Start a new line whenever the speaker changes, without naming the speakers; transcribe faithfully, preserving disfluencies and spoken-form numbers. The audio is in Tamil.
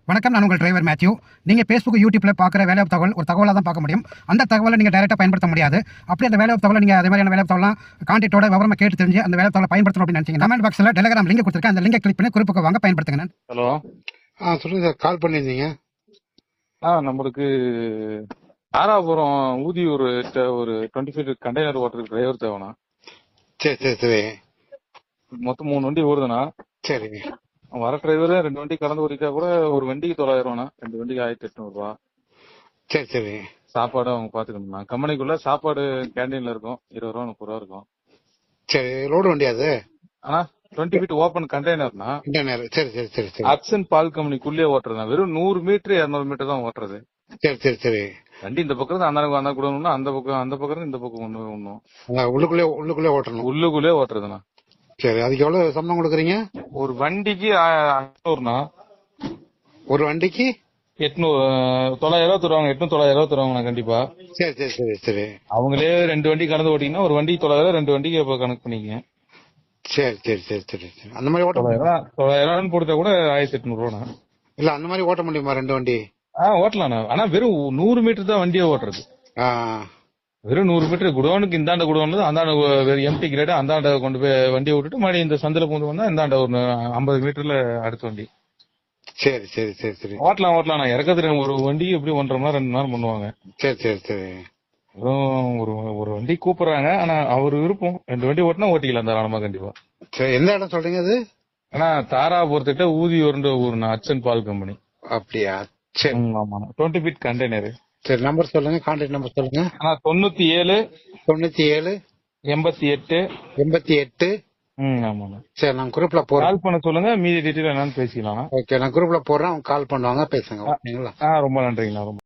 வணக்கம், நான் உங்கள் டிரைவர் மேத்யூ. நீங்கள் ஃபேஸ்புக், யூடியூப்ல பார்க்குற வேலைவாய்ப்பு தகவல் ஒரு தகவலாக தான் பார்க்க முடியும். அந்த தகவலை நீங்கள் டைரெக்டாக பயன்படுத்த முடியாது. அப்படி அந்த வேலைவாய்ப்பு தகவலை நீங்கள் அதே மாதிரியான வேலைவாய்ப்பு தகவலாம் கான்டாக்டோட விவரமாக கேட்டு தெரிஞ்சு அந்த வேலைவாய்ப்பு தகவலை பயன்படுத்தணும் அப்படின்னு நினைச்சீங்க, கமெண்ட் பாக்ஸில் டெலிகிராம் லிங்க் கொடுத்துருக்கேன். அந்த லிங்கை கிளிக் பண்ணி குறிப்புக்கு வாங்க, பயன்படுத்துங்க.
ஹலோ.
ஆ சொல்லுங்க சார், கால் பண்ணியிருந்தீங்க.
ஆ நம்மளுக்கு தாராபுரம் ஊதியூர் ஒரு டுவெண்ட்டி ஃபீட் கண்டெய்னர் ஓட்டுறதுக்கு டிரைவர் தேவைண்ணா.
சரி சரி சரி
மொத்தம் மூணு வண்டி ஓடுதுண்ணா.
சரிங்க.
வர டிரைவர் ரெண்டு வண்டி கலந்து ஓட்டிட்டா கூட ஒரு வண்டிக்கு தொள்ளாயிரம் ரூபாண்ணா, ரெண்டு வண்டிக்கு ஆயிரத்தி எட்நூறு ரூபா.
சரி சரி
சாப்பாடு அவங்க பாத்துக்கணும்ண்ணா. கம்பெனிக்குள்ள சாப்பாடு கேண்டீன்ல இருக்கும், இருபது ரூபா முப்பது ரூபா இருக்கும்.
சரி, லோடு வண்டி அது?
ஆனா டுவெண்ட்டி ஃபீட் ஓப்பன் கண்டெய்னர்னா.
கண்டெய்னர். சரி சரி சரி சரி
அக்சன் பால் கம்பெனிக்குள்ளே ஓட்டுறதுண்ணா. வெறும் நூறு மீட்டர் இருநூறு மீட்டர் தான் ஓட்டுறது.
சரி சரி சரி
வண்டி இந்த பக்கம் இருந்து அந்த அந்த கூட ஒண்ணு, அந்த பக்கம் அந்த பக்கம் இருந்து இந்த பக்கம் ஒண்ணு ஒண்ணும்
அங்க உள்ளுக்குள்ளே உள்ளுக்குள்ளே ஓட்டணும்.
உள்ளுக்குள்ளே ஓட்டுறதுண்ணா.
சரி, அதுக்கு எவ்வளவு சம்பளம் கொடுக்குறீங்க?
ஒரு வண்டிக்கு ஐநூறுண்ணா.
ஒரு வண்டிக்கு
எட்நூறு தொள்ளாயிரம் ரூபா தருவாங்க. எட்நூறு தொள்ளாயிரம் ரூபா தருவாங்கண்ணா கண்டிப்பா.
சரி சரி சரி சரி
அவங்களே ரெண்டு வண்டி கலந்து ஓட்டிங்கன்னா ஒரு வண்டிக்கு தொள்ளாயிரம், ரெண்டு வண்டிக்கு இப்ப கணக்கு பண்ணிக்கங்க.
சரி சரி சரி சரி சரி அந்த மாதிரி ஓட்ட
தொள்ளாயிரம் ரூபா தொள்ளாயிரம் ரூபான்னு போட்டா கூட ஆயிரத்தி எட்நூறு ரூபா.
இல்ல, அந்த மாதிரி ஓட்ட முடியுமா ரெண்டு வண்டி?
ஆ ஓட்டலாண்ணா. ஆனா வெறும் நூறு மீட்டர் தான் வண்டியை ஓட்டுறது.
ஆ
வெறும் நூறு மீட்டர். குடோனுக்கு இந்தாண்ட குடோன்ல அந்தாண்ட வெறும் எம்டி கிரேட் அந்தாண்ட கொண்டு போய் வண்டியை விட்டுட்டு மறுபடியும் இந்த சந்தில பூந்து வந்தா இந்தாண்ட ஒரு ஐம்பது மீட்டர்ல அடுத்த வண்டி.
சரி சரி சரி சரி
ஓட்டலாம் ஓட்டலாம். நான் இறக்கத்துல ஒரு வண்டி எப்படி ஒன்றரை மணி நேரம் ரெண்டு மணி நேரம் பண்ணுவாங்க.
சரி சரி சரி
வெறும் ஒரு ஒரு வண்டி கூப்பிடுறாங்க. ஆனா அவர் விருப்பம் ரெண்டு வண்டி ஓட்டினா ஓட்டிக்கலாம் தாராளமா கண்டிப்பா.
சரி, எந்த இடம் சொல்றீங்க அது?
ஆனா தாராபுரத்துக்கிட்ட ஊதியூர்ன்ற ஊருண்ணா, அச்சன் பால் கம்பெனி.
அப்படியா? சரி
ஆமா, டுவெண்ட்டி ஃபீட் கண்டெய்னர்.
சரி, நம்பர் சொல்லுங்க, கான்டாக்ட் நம்பர் சொல்லுங்க.
ஆனா தொண்ணூத்தி ஏழு
தொண்ணூத்தி ஏழு
எண்பத்தி எட்டு
எண்பத்தி எட்டு
ம் ஆமாண்ணா.
சரி, நான் குரூப்ல போறேன்.
கால் பண்ண சொல்லுங்க, மீதி டீட்டெயில் என்னன்னு பேசிக்கலாம்.
ஓகே, நான் குரூப்ல போடுறேன், அவங்க கால் பண்ணுவாங்க, பேசுங்க. ஓகேங்களா?
ஆ ரொம்ப நன்றிங்கண்ணா. ரொம்ப